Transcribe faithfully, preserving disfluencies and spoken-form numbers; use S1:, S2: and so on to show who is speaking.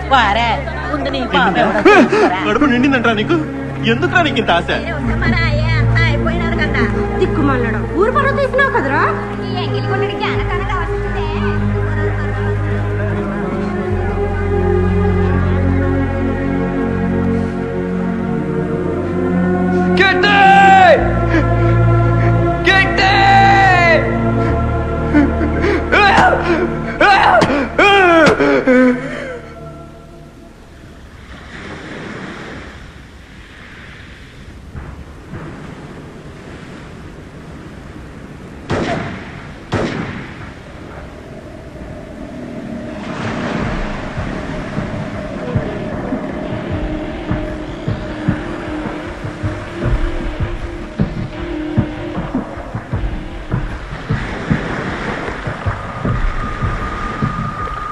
S1: వారే ముందు నీ పాప
S2: కడుపు నిండిందంటరా నీకు? ఎందుకురా నీకు ఇంత ఆశ?
S3: అయిపోయినారు కదా దిక్కుమన్నాడు ఊరు పనులు తీసినావు కదరా ఈ ఎంగిలి కొట్టడికి అనకనగా